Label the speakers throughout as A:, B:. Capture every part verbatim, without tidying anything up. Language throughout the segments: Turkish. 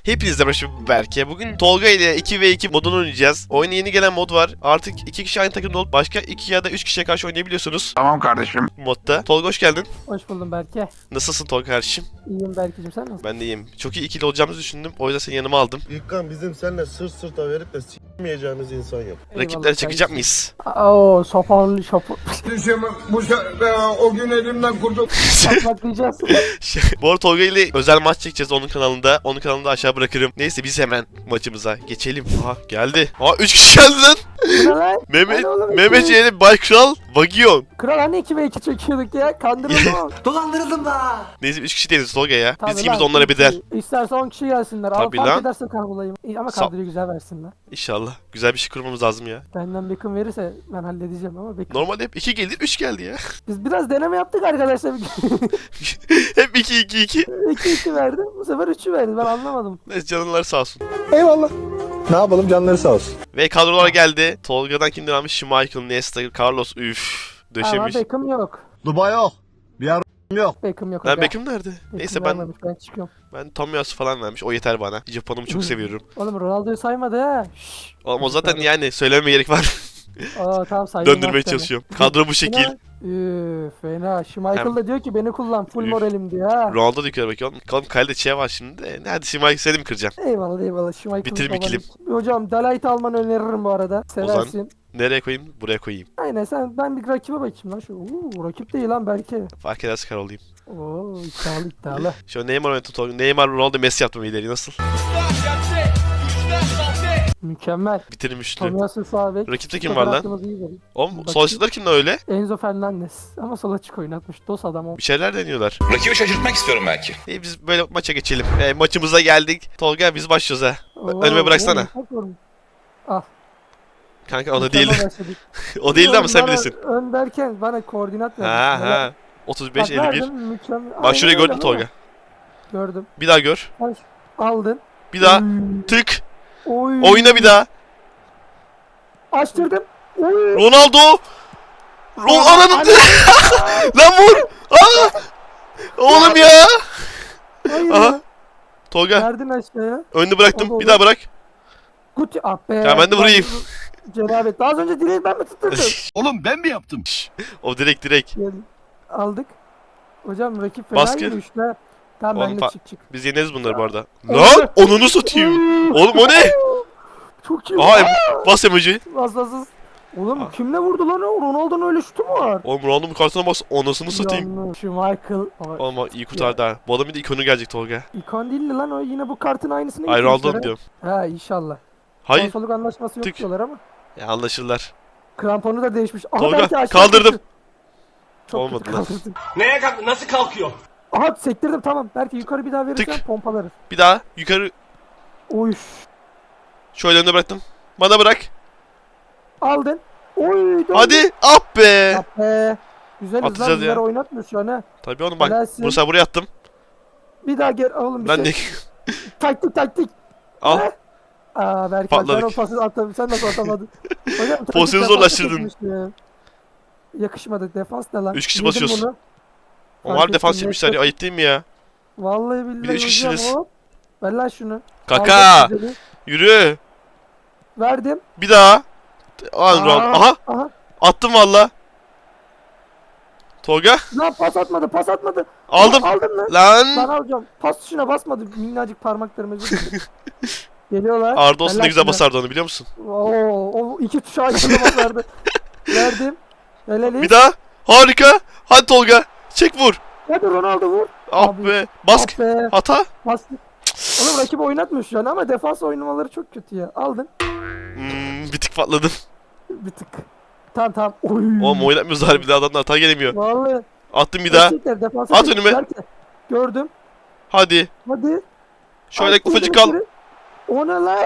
A: Hepinizle başım Berke. Bugün Tolga ile iki ve iki modunu oynayacağız. Oyuna yeni gelen mod var. Artık iki kişi aynı takımda olup başka iki ya da üç kişiye karşı oynayabiliyorsunuz.
B: Tamam kardeşim.
A: Modda. Tolga hoş geldin.
C: Hoş buldum Berke.
A: Nasılsın Tolga kardeşim?
C: İyiyim Berke'cim, sen nasılsın?
A: Ben de iyiyim. Çok iyi ikili olacağımızı düşündüm. O yüzden seni yanıma aldım.
D: İlkan bizim seninle sırt sırta verip de s**meyeceğimiz insan yok.
A: Rakipleri çekecek miyiz?
C: Oo, sopalı şopu.
B: Bu o gün elimden kurtul.
C: Patlayacağız.
A: Şey, Bu arada Tolga ile özel maç çekeceğiz onun kanalında. Onun kanalında aşağı bırakırım. Neyse biz hemen maçımıza geçelim. Aha geldi. Aa üç kişi geldi lan.
C: Bu ne lan?
A: Mehmet,
C: Hadi oğlum,
A: Mehmet
C: iki.
A: Yeğeni, Baykral, Vagion.
C: Kral hani iki ve iki çekiyorduk ya? Kandırıldım.
E: Dolandırıldım da.
A: Neyse üç kişi değiliz Tolga ya.
C: Tabii
A: Biz ikimiz de
C: lan,
A: onlara
C: iki.
A: bedel.
C: İsterse on kişi gelsinler. Ama
A: Tabii
C: fark
A: lan.
C: ederse kahrolayım. İyi, ama
A: Sa-
C: kadroyu güzel versinler.
A: İnşallah. Güzel bir şey kurmamız lazım ya.
C: Benden Beckham verirse ben halledeceğim ama Beckham.
A: Normalde hep iki geldi, üç geldi ya.
C: Biz biraz deneme yaptık arkadaşlar.
A: Hep iki iki iki.
C: iki iki verdi. Bu sefer üçü verdi. Ben anlamadım.
A: Neyse canlılar sağ olsun.
D: Eyvallah. Ne yapalım canları sağ olsun.
A: Ve kadrolar geldi. Tolga'dan kimden almış? Schmeichel, Nesta, Carlos. Üf.
C: Ama
A: Döşemiş.
C: Beckham yok.
D: Dubai yok. Bir yer yok.
C: Beckham yok.
A: Lan
C: aga.
A: Beckham nerede?
C: Beckham
A: Neyse ben
C: vermemiş, ben çıkıyorum.
A: ben Tomiyasu falan vermiş. O yeter bana. Japon'umu çok seviyorum.
C: Oğlum Ronaldo'yu saymadı ha. Şşş.
A: Oğlum o zaten yani söylememe gerek var.
C: Aa tamam saydım.
A: Döndürmeye çalışıyorum. Kadro bu şekil.
C: Üf fena. Şu Michael
A: Hem-
C: da diyor ki beni kullan, full
A: Üf.
C: moralim diyor ha.
A: Ronaldo da yukarı bakıyor. Oğlum kalede şey var şimdi de. Hadi Schmeichel seni mi kıracaksın?
C: Eyvallah eyvallah. Şu Michael
A: Bitirim ikilim.
C: Hocam Delight almanı öneririm bu arada. Seversin.
A: Nereye koyayım? Buraya koyayım.
C: Aynen, sen ben bir rakibe bakayım lan şu. Uuu rakip değil lan belki.
A: Fark ederse kar olayım.
C: Oo iddialı iddialı.
A: Şu an Neymar oynattım Tolga. Neymar, Ronaldo, Messi yaptım ileri. Nasıl?
C: Mükemmel.
A: Bitirim üçlü.
C: Tomiyasu sağ bek.
A: Rakipte kim var lan?
C: Fotoğrafımız iyi geliyor.
A: Oğlum
C: Bakayım.
A: sol açıklar kimden öyle?
C: Enzo Fernandez. Ama sol açık oynatmış. Dos adam o.
A: Bir şeyler deniyorlar.
F: Rakibi şaşırtmak istiyorum belki.
A: İyi biz böyle maça geçelim. E, maçımıza geldik. Tolga biz başlıyoruz ha.
C: Oo,
A: Önüme bıraksana.
C: oğlum, çok yorgun. Al.
A: Kanka o da
C: Mükemmel
A: değil.
C: başladık.
A: O değildi ama sen
C: Bana
A: bilirsin.
C: Ön derken bana koordinat ver.
A: Ha ha. otuz beş elli bir. Bak şurayı gördün mü Tolga?
C: Gördüm.
A: Bir daha gör.
C: Aldın.
A: Bir daha.
C: Hmm.
A: Tık.
C: Oy.
A: Oyna bir daha.
C: Açtırdım. Oy.
A: Ronaldo. Ron ananı. Lan vur. Aa! Oğlum ya.
C: Hayır.
A: Aha. Tolga
C: Verdin aşağıya.
A: önünü bıraktım.
C: Oldu,
A: Bir daha bırak.
C: Guti. Ah be.
A: Ya ben de vurayım.
C: Cenabet. Daha az önce direği ben mi tutturdum?
D: Oğlum ben mi yaptım?
A: O direkt direkt.
C: Gel. Aldık. Hocam rakip fena
A: Baskı.
C: yürüyüş be. Tamam
A: Oğlum
C: ben de
A: fa-
C: çık çık.
A: Biz yeneriz bunları bu arada. Lan onunu satayım. Oğlum o ne?
C: Çok iyi.
A: Aha em- bas emoji.
C: Vasfasız. Oğlum
A: Ah.
C: kimle vurdu lan o? Ronaldo'nun öyle şutu mu var?
A: Oğlum Ronaldo'nun kartına bas. Onasını satayım.
C: Yanlış. Şu Michael. Ama
A: Oğlum bak, iyi kurtardı ha. Bu adamın bir de ikonu gelecek Tolga.
C: ikon değildi lan o. Yine bu kartın aynısını
A: Ay
C: getirmişler
A: Ronaldo
C: ha.
A: diyorum.
C: Ha inşallah.
A: Hayır.
C: Konsoluk anlaşması yok
A: Tık.
C: diyorlar ama.
A: Ya anlaşırlar.
C: Kramponu da değişmiş. Aha,
A: Tolga,
C: belki aşağı
A: kaldırdım.
C: düştü. Çok
A: Olmadı
C: kötü
A: lan.
C: kaldırdın.
E: Neye kalk nasıl kalkıyor?
C: Aha sektirdim tamam. Belki yukarı bir daha verirsen
A: Tık.
C: pompalarız.
A: Bir daha yukarı
C: Oy.
A: şöyle önüne bıraktım. Bana bırak.
C: Aldın. Oy. döndü.
A: Hadi. Ah be.
C: Ah be. Güzeliz lan.
A: Atacağız ya.
C: Bizler oynatmıyor şu an ha.
A: Tabii oğlum bak.
C: Helalsin.
A: Bunu sen buraya attım.
C: Bir daha gel oğlum bir
A: Ben
C: şey.
A: de
C: Taktik taktik.
A: al.
C: He? Aa belki
A: Patladık.
C: sen o pası atamadın. Sen nasıl atamadın? Hocam taktik
A: Pozisyonu
C: defansa
A: zorlaştırdın.
C: çekmişti ya. Yakışmadı. Defans ne lan?
A: Üç kişi
C: Yedim
A: basıyoruz.
C: bunu.
A: Onlar
C: Fark
A: defans
C: ettim,
A: yapmışlar ya.
C: neyse.
A: Ayıp değil mi ya?
C: Vallahi billahi
A: Bir de üç
C: hocam,
A: kişisiniz.
C: hop. Ver lan şunu.
A: Kaka.
C: Aldım güzeli.
A: Yürü.
C: Verdim.
A: Bir daha. Al
C: Aa.
A: Ron. Aha.
C: Aha.
A: Attım valla. Tolga.
C: Lan pas atmadı pas atmadı.
A: Aldım.
C: Aldın lan.
A: Lan.
C: Ben alacağım. Pas tuşuna basmadı. Minnacık parmaklarım özür dilerim. Geliyorlar.
A: Arda olsun
C: Ver
A: ne
C: lan
A: güzel
C: şunu.
A: basardı onu biliyor musun?
C: Oo, o iki tuşa aynı anda basardı. Verdim. Helal
A: Bir daha. Harika. Hadi Tolga. Çek vur.
C: Hadi Ronaldo vur.
A: Ah
C: Abi.
A: be. Bask.
C: Ah be.
A: Hata.
C: Bas. Oğlum rakibi oynatmıyor şu an ama defans oynamaları çok kötü ya. Aldın.
A: Hmm, bir tık patladım.
C: Bir tık. Tamam tamam. Oy.
A: Oğlum oynatmıyoruz harbiden adamlar hata gelemiyor.
C: Vallahi.
A: Attım bir daha.
C: Gerçekten defansa
A: At
C: çek-
A: önüme.
C: Berke. Gördüm.
A: Hadi.
C: Hadi.
A: Şöyle
C: At,
A: ufacık
C: vurdum
A: kal.
C: içeri. O ne lan?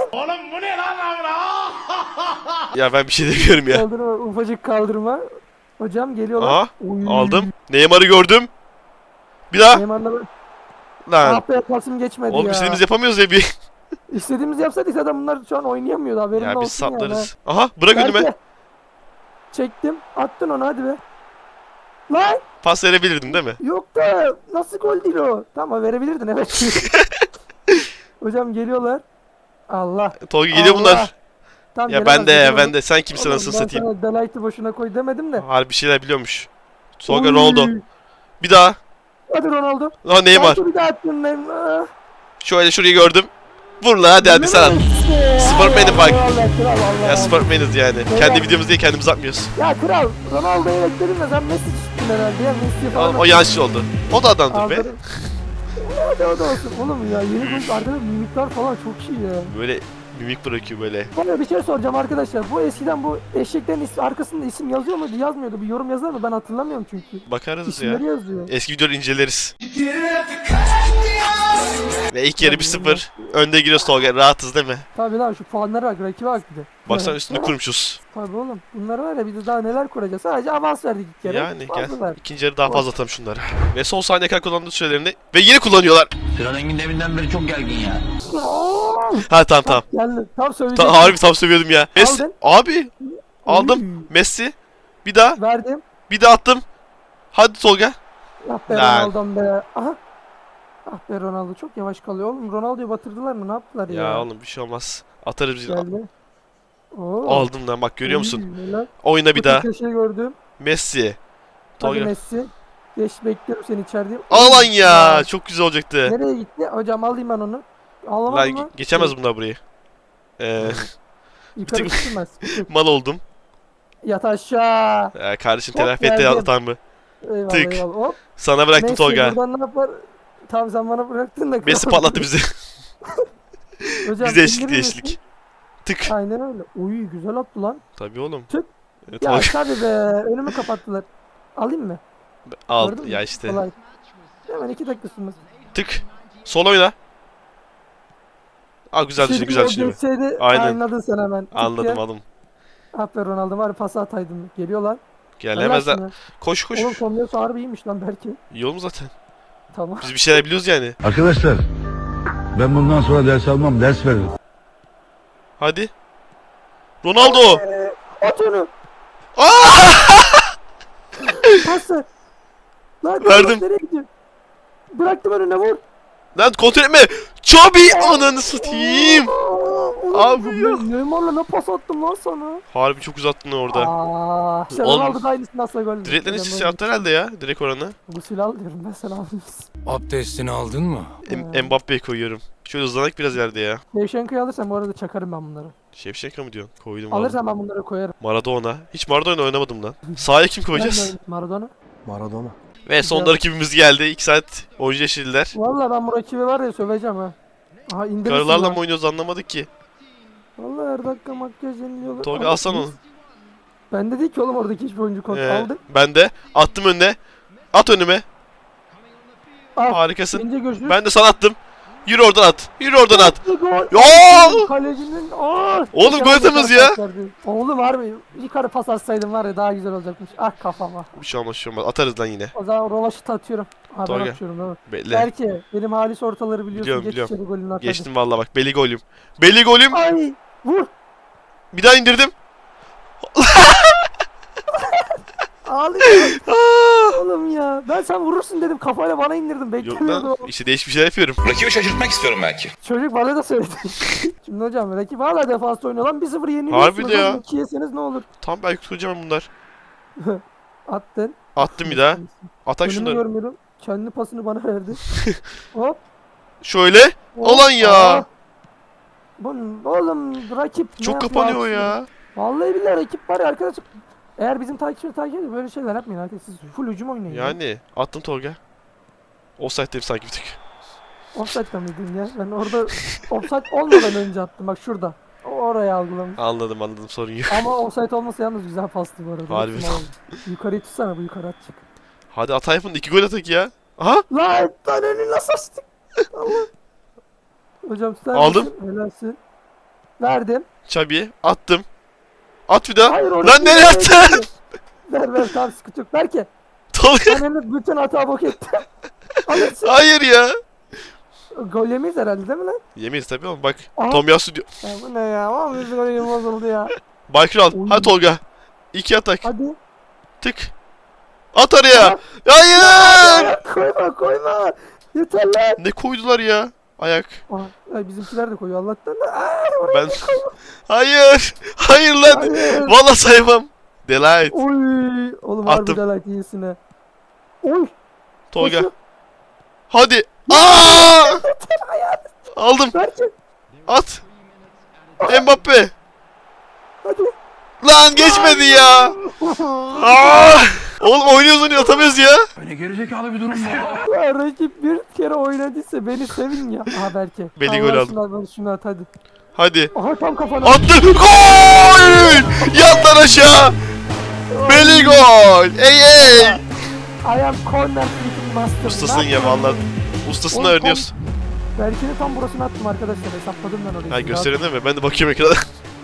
A: Ya ben bir şey demiyorum ya.
C: Kaldırma. Ufacık kaldırma. Hocam geliyorlar.
A: Aha.
C: Oy.
A: Aldım. Neymar'ı gördüm. Bir daha.
C: Neymar'la ben-
A: Lan.
C: Ah be pasım geçmedi
A: Oğlum
C: ya.
A: istediğimiz yapamıyoruz ya bir.
C: İstediğimizi yapsaydık zaten bunlar şu an oynayamıyordu haberin
A: Ya
C: olsun
A: biz saplarız. Aha bırak
C: ya.
A: önüme.
C: Berke. Çektim. Attın onu hadi be. Lan
A: Pas verebilirdin değil mi?
C: yok da nasıl gol değil o? Tamam verebilirdin evet. Hocam geliyorlar. Allah.
A: Tolga geliyor
C: Allah.
A: bunlar.
C: Tam
A: Ya
C: gelemez,
A: ben de
C: gelemez.
A: ben de sen kimsin
C: Oğlum,
A: nasıl
C: ben
A: satayım.
C: sana Delight'ı boşuna koy demedim de.
A: Harbi bir şeyler biliyormuş. Tolga
C: Oy.
A: Ronaldo. Bir daha.
C: Hadi Ronaldo.
A: Ha Neymar.
C: Belki bir daha attın ben. Ah.
A: Şöyle şurayı gördüm. Vur la hadi hadi sen at. Sportman'im bak. Ya Sportman'ız yani.
C: Beyler.
A: Kendi videomuz diye kendimiz atmıyoruz.
C: Ya kral Ronaldo'yu bekledim de sen Messi çıktın herhalde ya. Messi falan.
A: O, o yanlış oldu. O da adamdır be.
C: Aldırın. Hadi o da olsun. Oğlum ya yeni gol arkada mimikler falan çok iyi ya.
A: Böyle mimik bırakıyor böyle.
C: Bana bir şey soracağım arkadaşlar. Bu eskiden bu eşeklerin is- arkasında isim yazıyor muydu? Yazmıyordu. Bir yorum yazar mı? Ben hatırlamıyorum çünkü.
A: Bakarız ya.
C: İsimleri yazıyor.
A: Eski videoları inceleriz. Ve ilk yarı bir sıfır. Önde giriyoruz Tolga. Rahatız değil mi?
C: Tabii lan şu puanlara bak. Rakibe bak bir de.
A: Baksana üstünü kurmuşuz.
C: Tabii oğlum. Bunlar var ya bir de daha neler kuracağız. Sadece avans verdik ilk kere.
A: Yani gel.
C: Fazlalar.
A: İkinci yarı daha fazla atalım şunları. Ve son saniye kadar kullandığı sürelerini. Ve yine kullanıyorlar.
E: Sıra Engin deminden beri çok gergin ya.
A: Ha tamam tamam.
C: Geldi. Tam söyleyeceğim.
A: Ta harbi tam söylüyordum ya. Messi.
C: Aldın.
A: Abi. Aldım.
C: Uy.
A: Messi. Bir daha.
C: Verdim.
A: Bir daha attım. Hadi Tolga.
C: Ah be
A: Lan.
C: Ronaldo'm be. Aha. Ah be Ronaldo çok yavaş kalıyor oğlum. Ronaldo'yu batırdılar mı? Ne yaptılar ya?
A: Ya oğlum bir şey olmaz. Atarız biz.
C: Geldi. Oo.
A: Aldım lan bak görüyor musun?
C: Uy, helal.
A: Oyna bir
C: Bu
A: daha.
C: köşeyi gördüm.
A: Messi.
C: Hadi
A: Tolga.
C: Messi. Geç bekliyorum seni içeride.
A: Al lan
C: Uy,
A: ya. Çok güzel olacaktı.
C: Nereye gitti? Hocam alayım ben onu.
A: Lan
C: Alamadım mı?
A: ge- geçemez bunlar burayı. Ee,
C: Yukarı
A: bir tık-
C: çıkmaz.
A: mal oldum.
C: Yat aşağı.
A: Ee, kardeşim
C: Hop,
A: telafi etti
C: geldim.
A: atan mı?
C: Eyvallah
A: Tık.
C: eyvallah. Hop.
A: Sana bıraktım
C: Messi
A: Tolga.
C: buradan ne yapar? Tamam sen bana bıraktın da.
A: Messi patlattı bizi.
C: Hocam,
A: Bize eşlik
C: indirir misin?
A: eşlik. Tık.
C: Aynen öyle. Uy güzel attı lan.
A: Tabii oğlum.
C: Tık.
A: Ee,
C: Ya
A: Tolga
C: tabii be. Önümü kapattılar. Alayım mı?
A: al
C: Gördün mü?
A: ya işte.
C: Kolay. Hemen iki dakika sürmez.
A: Tık. Sol oyna. Aa güzel
C: Şimdi
A: düşün güzel
C: o
A: düşün.
C: geçseydi
A: Aynen.
C: anladın sen hemen. Tık
A: Anladım
C: diye.
A: aldım.
C: Aferin Ronaldo var ya pası ataydın. Geliyorlar.
A: Gelemezler.
C: Helal
A: Koş koş.
C: sana. Oğlum Tomyos harbi iyiymiş lan belki.
A: Yol mu zaten?
C: Tamam.
A: Biz bir şeyler biliyoruz yani.
F: Arkadaşlar ben bundan sonra ders almam, ders veririm.
A: Hadi. Ronaldo.
C: Ee, at onu.
A: Aa!
C: Pası. Lan
A: Verdim.
C: nereye gidiyor? Bıraktım önüne vur.
A: Lan kontrol etme. Çabi ananı satayım.
C: Aa,
A: Abi
C: oğlum,
A: ya.
C: ne- Neymar'la ne pas attım lan sana?
A: Harbi çok uzattın orada.
C: Aa, işte
A: Oğlum,
C: Ronaldo da aynısını asla gol.
A: Direklerin
C: Ben
A: içi
C: böyle-
A: yaptı herhalde ya. Direkt oranı.
C: Gusül al diyorum ben sana almışsın.
G: Abdestini aldın mı?
A: Em Mbappe'yi koyuyorum. Şöyle hızlanak biraz yerde ya.
C: Şevşenko'yu alırsan bu arada çakarım ben bunları.
A: Şevşenko mu diyorsun? Koydum aldım.
C: Alırsan ben bunları koyarım.
A: Maradona. Hiç Maradona oynamadım lan. Sahaya kim
C: Ben
A: koyacağız?
C: de Maradona.
D: Maradona.
A: Ve sonunda rakibimiz geldi. iki saat oyuncu yeşildiler.
C: Valla ben bu rakibi var ya söveceğim ha. Aha indirirsin
A: Karılarla
C: lan.
A: mı oynuyoruz anlamadık ki.
C: Valla her dakika makyaj yeniliyorlar.
A: Tolga
C: Ama
A: alsana onu.
C: biz- Ben de değil ki oğlum oradaki hiçbir oyuncu kontrol
A: Ee,
C: aldı.
A: ben de. Attım önüne. At önüme.
C: Al.
A: Harikasın.
C: İnce gözlük.
A: Ben de sana attım. Yürü oradan at. Yürü oradan at.
C: Gol.
A: Ya!
C: Kalecinin aa!
A: Oğlum gol atamaz ya.
C: Oğlum var mı? Yukarı pas atsaydım var ya daha güzel olacakmış. Ah kafama.
A: Bir şey olmaz, bir şey olmaz. Atarız lan yine.
C: O zaman rovaşıta atıyorum. Ha ben
A: Tolga.
C: atıyorum değil mi?
A: Bekle.
C: Belki benim halis ortaları biliyorsun.
A: Biliyorum,
C: Geç
A: biliyorum.
C: içeri golünü at hadi.
A: Geçtim vallahi bak. Beli golüm. Beli golüm.
C: Ay vur.
A: Bir daha indirdim.
C: Ağlıyorum.
A: Aa!
C: Oğlum ya. Ben sen vurursun dedim kafayla bana indirdim.
A: Yok
C: Beklemiyordum.
A: lan. İşte değişik bir şeyler yapıyorum.
H: Rakibi şaşırtmak istiyorum belki.
C: Çocuk bana da söyledi. Şimdi hocam rakip hala defansta oynuyor lan bir sıfır yeniliyorsunuz.
A: Harbi de ya.
C: iki yeseniz ne olur?
A: Tam belki tutacağım bunlar.
C: Attın.
A: Attım bir daha. Atak
C: Önümü
A: şunları.
C: görmüyorum. Kendi pasını bana verdi. Hop.
A: Şöyle.
C: hop.
A: Alan ya.
C: Aa. Bu oğlum rakip ne
A: Çok
C: yapıyor
A: kapanıyor
C: aslında?
A: ya.
C: Vallahi billahi rakip var ya arkadaşlar. Eğer bizim takipçileri takip ediyor böyle şeyler yapmayın arkadaşlar. Siz full hücum oynayın. ya.
A: Yani attım Tolga. Offside'deyim sanki bir tık.
C: Offside'da mıydın ya? Ben orada offside olmadan önce attım bak şurada. O oraya algılamış.
A: Anladım anladım sorun yok.
C: Ama offside olmasa yalnız güzel pastı bu arada.
A: Harbi.
C: Hepsini aldım. Yukarıyı tutsana bu yukarı atacak.
A: Hadi Atayf'ın iki gol atak ya. Aha.
C: Lan lan önünü nasıl açtık? Allah. Hocam sen
A: Aldım.
C: misin? Helalsin. Verdim.
A: Çabi'ye attım. At bir daha.
C: Hayır orada.
A: Lan nereye attın?
C: Ver ver tamam sıkıntı yok. Ver ki.
A: Tolga.
C: Ben önüne bütün hata bok ettim. Alırsın.
A: Hayır ya.
C: Gol yemeyiz herhalde değil mi lan?
A: Yemeyiz tabii oğlum bak.
C: Aha.
A: Tomiyasu diyor.
C: Ya bu ne ya? Ama bizim oyun bozuldu ya.
A: Baykral.
C: Oy.
A: Hadi Tolga. İki atak.
C: Hadi.
A: Tık. At araya. Hayır.
C: Ya, koyma koyma. Yeter lan.
A: Ne koydular ya? Ayak.
C: Aha, ay bizimkiler de koyuyor Allah'tan. Aa,
A: Ben... Hayır. Hayır lan.
C: hayır.
A: Vallahi saymam. Delight.
C: Oy. Oğlum
A: Attım.
C: harbi delight iyisine. Oy.
A: Tolga.
C: koşu.
A: Hadi. Aa! Aldım.
C: Berke.
A: At. Mbappe.
C: Hadi.
A: Lan geçmedi ya. Aa! Oğlum oynuyoruz oynuyoruz atamıyoruz ya.
G: Ne gerizekalı bir durum bu.
C: Ya rakip bir kere oynadıysa beni sevin ya. Aha Berke.
A: Beni
C: Allah
A: gol
C: aşkına ver şunu at hadi.
A: Hadi.
C: Aha tam kafana.
A: Attı. Gol! Yattan aşağı. Belly gol. Ey ey.
C: I am corner kicking master.
A: Ustasın
C: Ne
A: ya
C: yapıyorsun?
A: vallahi. Ustasını
C: Oğlum,
A: öğreniyoruz.
C: Berke'nin tam burasını attım arkadaşlar. Hesapladım ben orayı.
A: Ha gösteriyor değil mi? Ben de bakıyorum ekrana.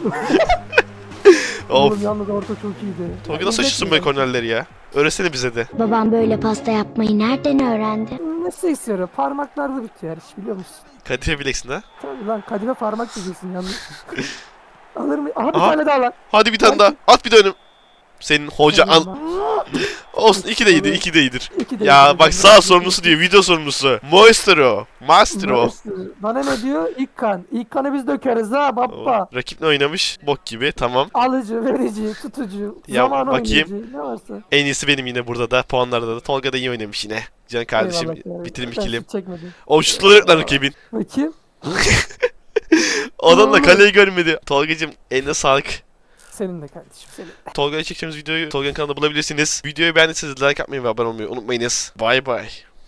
A: Of.
C: Oğlum yalnız orta çok iyiydi.
A: Tolga
C: Ya,
A: nasıl açıyorsun
C: izletmiyor.
A: böyle kornerleri ya? Öğretsene bize de.
H: Babam böyle pasta yapmayı nereden öğrendi?
C: Ne istiyor? Parmaklarda bitiyor her iş biliyor musun?
A: Kadife bileksin ha.
C: Tabii lan kadime parmak diyeceksin yalnız. Alır mı? Aha bir
A: Aha.
C: tane daha lan.
A: Hadi bir tane daha. At bir de önüm. Senin hoca an...
C: Eyvallah.
A: Olsun iki de iyidir, iki de iyidir.
C: İki de
A: Ya
C: iyi.
A: bak sağ sorumlusu diyor, video sorumlusu. Maestro. Maestro.
C: Bana ne diyor? İlk kan. İlk kanı biz dökeriz ha baba.
A: O, rakip ne oynamış? Bok gibi, tamam.
C: Alıcı, verici, tutucu,
A: Ya,
C: zaman
A: bakayım.
C: oynayıcı ne varsa.
A: En iyisi benim yine burada da, puanlarda da. Tolga da iyi oynamış yine. Can kardeşim,
C: Eyvallah ya.
A: bitirim
C: Ben
A: ikilim.
C: hiç çekmedim.
A: O şutları yok lan rakibin.
C: Bakayım.
A: Adam da kaleyi görmedi. Tolgacım eline sağlık.
C: Senin de kardeşim senin.
A: Tolga'ya çekeceğimiz videoyu Tolga'nın kanalında bulabilirsiniz. Videoyu beğendiyseniz like atmayı ve abone olmayı unutmayınız. Bye bye.